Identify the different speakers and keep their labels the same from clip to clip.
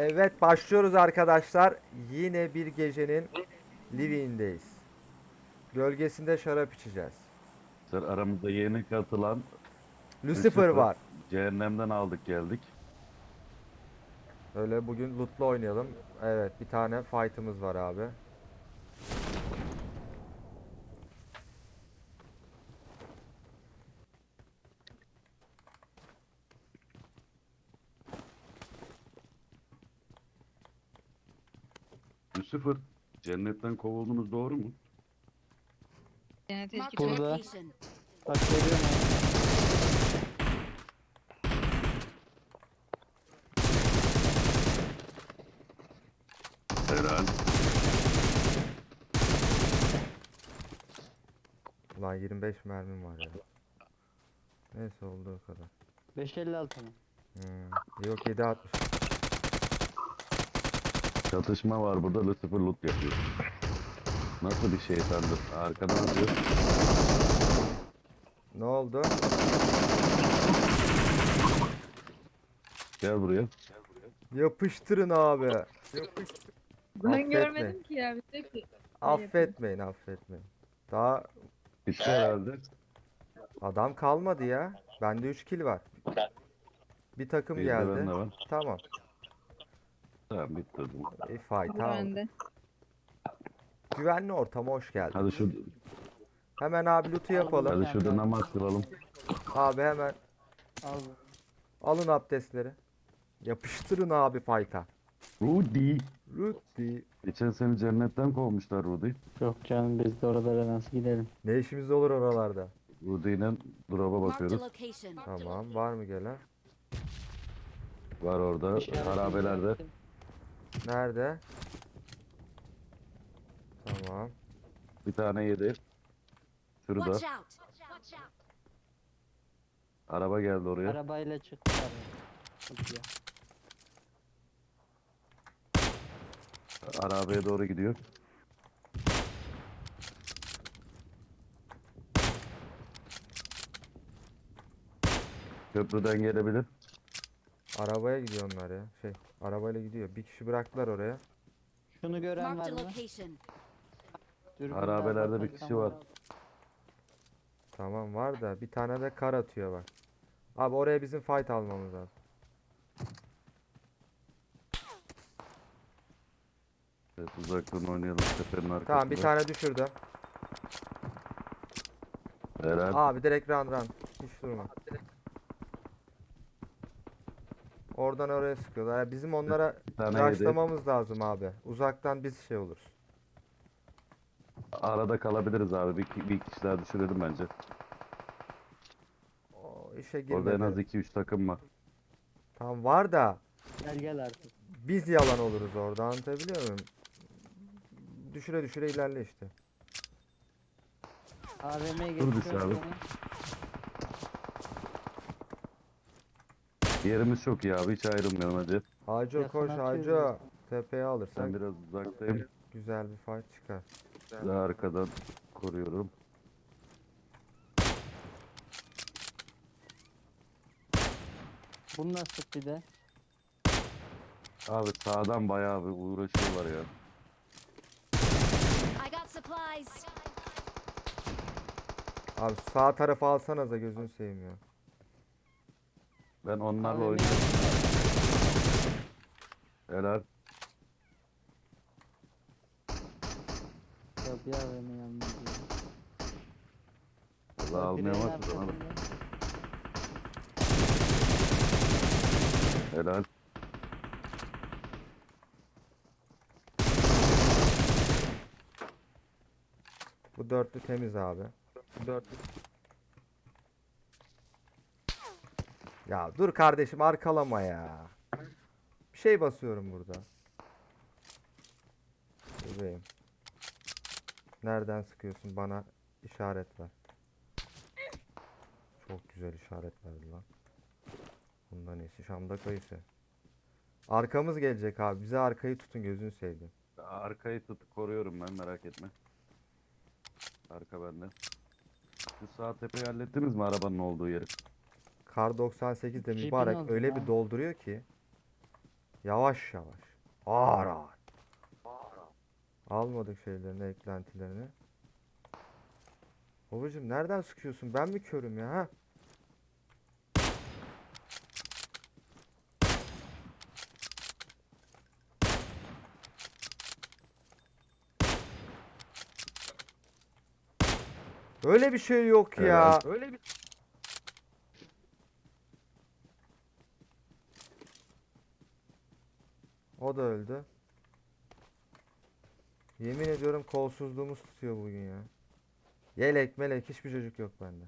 Speaker 1: Evet başlıyoruz arkadaşlar. Yine bir gecenin living'indeyiz. Gölgesinde şarap içeceğiz.
Speaker 2: Aramızda yeni katılan
Speaker 1: Lucifer
Speaker 2: Lucifer.
Speaker 1: var.
Speaker 2: Cehennemden aldık geldik.
Speaker 1: Öyle bugün loot'la oynayalım. Evet bir tane fight'ımız var abi.
Speaker 2: Lucifer, cennetten kovuldunuz doğru mu?
Speaker 3: Cennet
Speaker 4: Marked
Speaker 3: eski
Speaker 4: a
Speaker 3: çocuk.
Speaker 5: Burada.
Speaker 4: location.
Speaker 5: Bak görüyorum abi.
Speaker 2: Helal.
Speaker 1: Ulan 25 mermim var ya. Neyse olduğu kadar.
Speaker 5: 556 mı?
Speaker 1: Yok 7.60.
Speaker 2: Çatışma var burada, Lucifer loot yapıyor. Nasıl bir şeytandır? Arkadan atıyor.
Speaker 1: Ne oldu?
Speaker 2: Gel buraya.
Speaker 1: Yapıştırın abi.
Speaker 3: Ben
Speaker 1: Affetme.
Speaker 3: görmedim ki ya. Bir de ki.
Speaker 1: Affetmeyin affetmeyin. Daha
Speaker 2: Bitti herhalde.
Speaker 1: adam kalmadı ya. Bende 3 kill var. Bir takım
Speaker 2: Bir de
Speaker 1: geldi.
Speaker 2: bende var.
Speaker 1: Tamam.
Speaker 2: Tamam bitti o zaman.
Speaker 1: Fight aldık.
Speaker 3: Bende.
Speaker 1: Güvenli ortama hoş geldin.
Speaker 2: Hadi şu
Speaker 1: Hemen abi loot'u yapalım.
Speaker 2: hadi şurada namaz kılalım.
Speaker 1: Abi hemen
Speaker 5: Al.
Speaker 1: alın abdestleri. Yapıştırın abi fight'a.
Speaker 2: Rudy.
Speaker 1: Rudy.
Speaker 2: Geçen seni cennetten kovmuşlar Rudy.
Speaker 5: Yok canım biz de oralara nasıl gidelim?
Speaker 1: Ne işimiz olur oralarda?
Speaker 2: Rudy ile drop'a
Speaker 4: Marked a
Speaker 2: bakıyoruz.
Speaker 4: location.
Speaker 1: Tamam var mı gelen?
Speaker 2: Var orada. Harabelerde.
Speaker 1: Nerede? Tamam.
Speaker 2: Bir tane yedi. Şurada.
Speaker 4: Watch out.
Speaker 2: Araba geldi oraya.
Speaker 5: Arabayla çıktılar. Çok iyi.
Speaker 2: Arabaya doğru gidiyor. Köprüden gelebilir.
Speaker 1: Arabaya gidiyor onlar ya. Arabayla gidiyor. Bir kişi bıraktılar oraya.
Speaker 5: Şunu gören var
Speaker 4: Marked a
Speaker 5: mı?
Speaker 4: location.
Speaker 5: Dürbünle
Speaker 2: Harabelerde bir
Speaker 5: bakarsan
Speaker 2: kişi var.
Speaker 1: Tamam var da bir tane de kar atıyor bak. Abi oraya bizim fight almamız lazım.
Speaker 2: Evet, uzaktan oynayalım tepenin arkasında.
Speaker 1: Tamam bir tane düşürdüm.
Speaker 2: Helal.
Speaker 1: Abi direkt run. Hiç durma. Oradan oraya sıkıyorlar. Ya bizim onlara
Speaker 2: Bir tane yedi.
Speaker 1: rushlamamız lazım abi. Uzaktan biz şey oluruz.
Speaker 2: Arada kalabiliriz abi. Bir kişi daha düşürelim bence.
Speaker 1: O işe
Speaker 2: Orada en az
Speaker 1: girmedi.
Speaker 2: 2-3 takım var.
Speaker 1: Tamam var da
Speaker 5: Gel gel artık.
Speaker 1: biz yalan oluruz orada, anlatabiliyor muyum? Düşüre düşüre ilerle işte.
Speaker 5: AVM'ye
Speaker 2: Dur bir
Speaker 5: geçiyorum.
Speaker 2: saniye. Yerimiz çok iyi abi. Hiç ayrılmayalım hadi.
Speaker 1: Haco
Speaker 5: Yakın
Speaker 1: koş
Speaker 5: atıyoruz
Speaker 1: Haco. Tepeye alırsak
Speaker 2: Ben biraz uzaktayım.
Speaker 1: güzel bir fight çıkar.
Speaker 2: Daha arkadan koruyorum.
Speaker 5: Bunu nasıl bir de?
Speaker 2: Abi sağdan bayağı bir uğraşıyorlar ya.
Speaker 4: I got supplies.
Speaker 1: Abi sağ tarafı alsanıza gözünü seveyim ya.
Speaker 2: Ben onlarla
Speaker 5: AVM
Speaker 2: oynuyorum. Helal.
Speaker 5: Yok bir AVM yanına gidiyor.
Speaker 2: Valla almaya
Speaker 5: Direğin
Speaker 2: bak o zaman.
Speaker 5: arkasında.
Speaker 2: Helal.
Speaker 1: Bu dörtlü temiz abi. Bu dörtlü. Ya dur kardeşim arkalama ya. Bir şey basıyorum burada. Bebeğim. Nereden sıkıyorsun, bana işaret ver. Çok güzel işaret verdi lan. Bundan iyisi Şam'da kayısı. Arkamız gelecek abi. Bize arkayı tutun gözünü seveyim.
Speaker 2: Arkayı koruyorum ben, merak etme. Arka bende. Şu sağ tepeyi hallettiniz mi, arabanın olduğu yeri?
Speaker 1: Kar 98 de
Speaker 5: Jeep'in
Speaker 1: mübarek
Speaker 5: oldu
Speaker 1: öyle
Speaker 5: ya.
Speaker 1: bir dolduruyor ki. Yavaş yavaş. Ağır ağır. Almadık şeylerini, eklentilerini. Babacım nereden sıkıyorsun? Ben mi körüm ya? Ha? Öyle bir şey yok ya.
Speaker 2: Öyle bir
Speaker 1: O da öldü. Yemin ediyorum kolsuzluğumuz tutuyor bugün ya. Yelek melek hiçbir çocuk yok bende.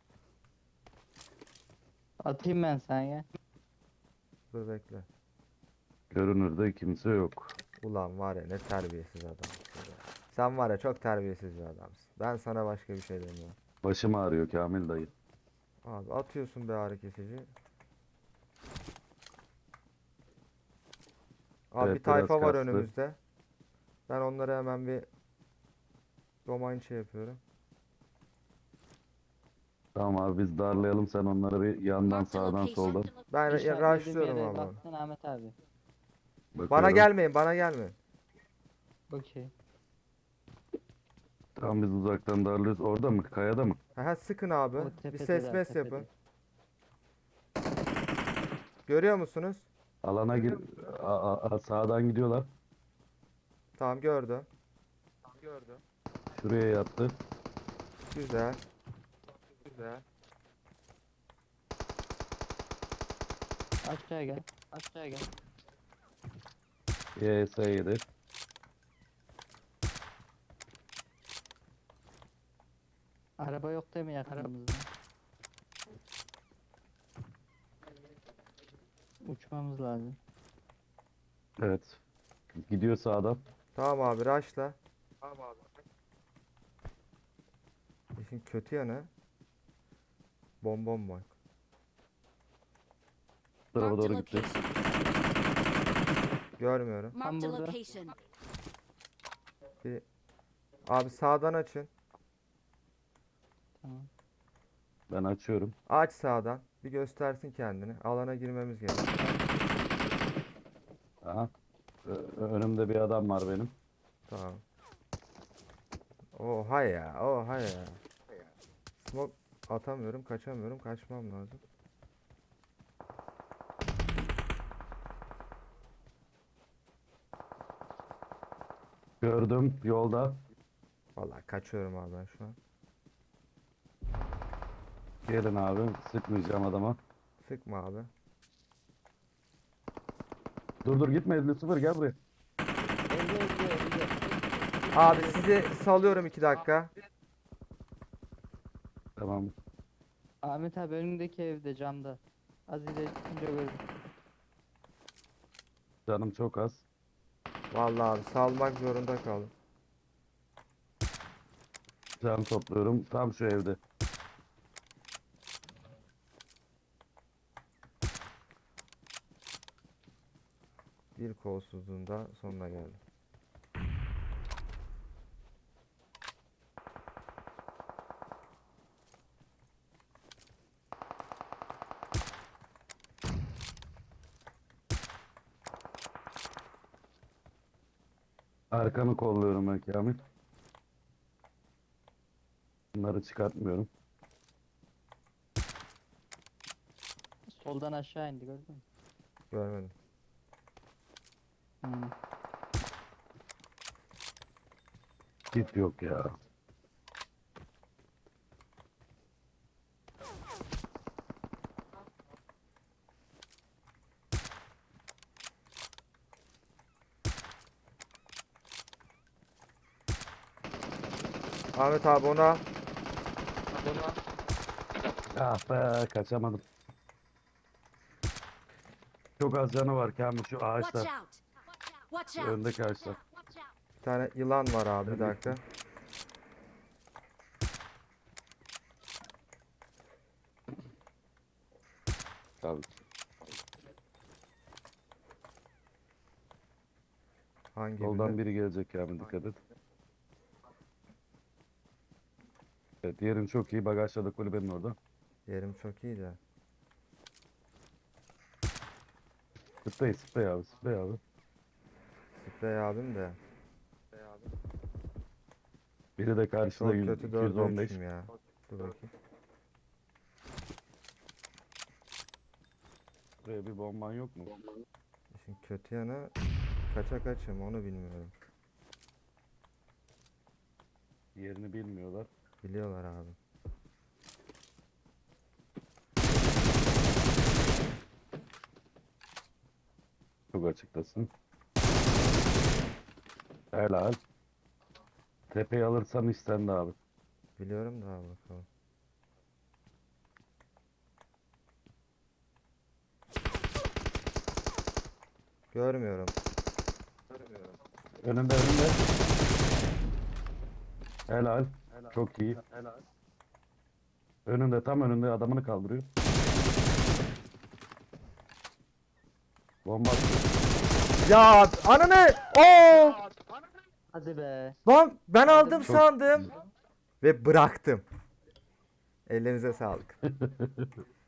Speaker 5: Atayım ben sana ya.
Speaker 1: Dur bekle.
Speaker 2: görünürde kimse yok.
Speaker 1: Ulan var ya ne terbiyesiz adamsın ya. Sen var ya çok terbiyesiz bir adamsın. Ben sana başka bir şey demiyorum.
Speaker 2: Başım ağrıyor Kamil dayı.
Speaker 1: Abi atıyorsun bir ağrı kesici. Abi
Speaker 2: Evet,
Speaker 1: bir tayfa
Speaker 2: biraz
Speaker 1: var
Speaker 2: kastı.
Speaker 1: önümüzde. Ben onları hemen bir romançı yapıyorum.
Speaker 2: Tamam abi biz darlayalım, sen onları bir yandan
Speaker 4: Marked a
Speaker 2: sağdan
Speaker 4: location.
Speaker 2: soldan
Speaker 1: Ben
Speaker 5: İşaretlediğim
Speaker 1: rushlıyorum
Speaker 5: yere
Speaker 1: abi. onu.
Speaker 5: baktın Ahmet abi.
Speaker 1: Bana
Speaker 2: bakıyorum.
Speaker 1: gelmeyin, bana gelmeyin.
Speaker 5: Okey.
Speaker 2: Tamam biz uzaktan darlıyoruz. Orada mı? Kayada mı?
Speaker 1: Aha sıkın abi.
Speaker 5: O
Speaker 1: Bir
Speaker 5: tepedeler,
Speaker 1: ses mes
Speaker 5: tepede.
Speaker 1: yapın. Görüyor musunuz?
Speaker 2: Alana gir. Sağdan gidiyorlar.
Speaker 1: Tamam gördüm.
Speaker 2: Şuraya yattı.
Speaker 1: Güzel.
Speaker 5: Aşağıya gel. Aşağıya gel.
Speaker 2: YS7.
Speaker 5: Araba yok değil mi yakınımızda? Uçmamız lazım.
Speaker 2: Evet. Gidiyor sağdan.
Speaker 1: Tamam abi rushla. İşin kötü yanı bombom var.
Speaker 2: Bu tarafa
Speaker 4: Marked a
Speaker 2: doğru gitti.
Speaker 4: location.
Speaker 1: Görmüyorum.
Speaker 4: Marked a
Speaker 5: burada.
Speaker 4: location.
Speaker 1: Abi sağdan açın.
Speaker 5: Tamam.
Speaker 2: Ben açıyorum.
Speaker 1: Aç sağdan. Bir göstersin kendini. Alana girmemiz gerekiyor.
Speaker 2: Aha. Önümde bir adam var benim.
Speaker 1: Tamam. Oha ya. Oha ya. Smoke atamıyorum. Kaçamıyorum. Kaçmam lazım.
Speaker 2: Gördüm yolda.
Speaker 1: Vallahi kaçıyorum abi ben şu an.
Speaker 2: Gelin abi. Sıkmayacağım adama.
Speaker 1: Sıkma abi.
Speaker 2: Dur gitme 50-0 gel buraya.
Speaker 5: Evde.
Speaker 1: Abi sizi salıyorum 2 dakika.
Speaker 2: Tamam.
Speaker 5: Ahmet abi önündeki evde camda. Az ileri çıkınca gördüm.
Speaker 2: Canım çok az.
Speaker 1: Vallahi abi salmak zorunda kaldım.
Speaker 2: Can topluyorum. Tam şu evde.
Speaker 1: Bir kolsuzluğun da sonuna geldim.
Speaker 2: Arkanı kolluyorum ben Kamil. Bunları çıkartmıyorum.
Speaker 5: Soldan aşağı indi gördün mü?
Speaker 1: Görmedim.
Speaker 5: Hmm.
Speaker 2: Git yok ya.
Speaker 1: Ahmet abi ona
Speaker 2: Ah be kaçamadım. Çok az canı var Kamil şu
Speaker 4: Watch
Speaker 2: ağaçta.
Speaker 4: out. Watch out.
Speaker 2: Öndeki ağaçta.
Speaker 1: bir tane yılan var abi bir dakika.
Speaker 2: Tabii.
Speaker 1: Hangi
Speaker 2: Soldan
Speaker 1: birine?
Speaker 2: biri gelecek Kamil dikkat et. Evet yerin çok iyi. Bagajda kulübenin orada.
Speaker 1: Yerim çok iyi de.
Speaker 2: Sprey abi, sprey abi.
Speaker 1: Sprey abim de.
Speaker 2: Biri de karşıda
Speaker 1: Çok kötü 4'e
Speaker 2: 215.
Speaker 1: 3'üm ya. Dur bakayım.
Speaker 2: Buraya bir bomban yok mu?
Speaker 1: İşin kötü yanı kaça kaçım onu bilmiyorum.
Speaker 2: Yerini bilmiyorlar.
Speaker 1: Biliyorlar abi.
Speaker 2: Çok açıktasın. Helal. Tepeyi alırsan istendi abi.
Speaker 1: Biliyorum da abi bakalım. Görmüyorum.
Speaker 2: Önünde önünde. Helal. Çok iyi. Önünde tam önünde adamını kaldırıyor. Bomba atıyor.
Speaker 1: Ya ananı! Oo!
Speaker 5: Hadi be.
Speaker 1: Lan ben aldım
Speaker 2: Çok-
Speaker 1: sandım ve bıraktım. Ellerinize sağlık.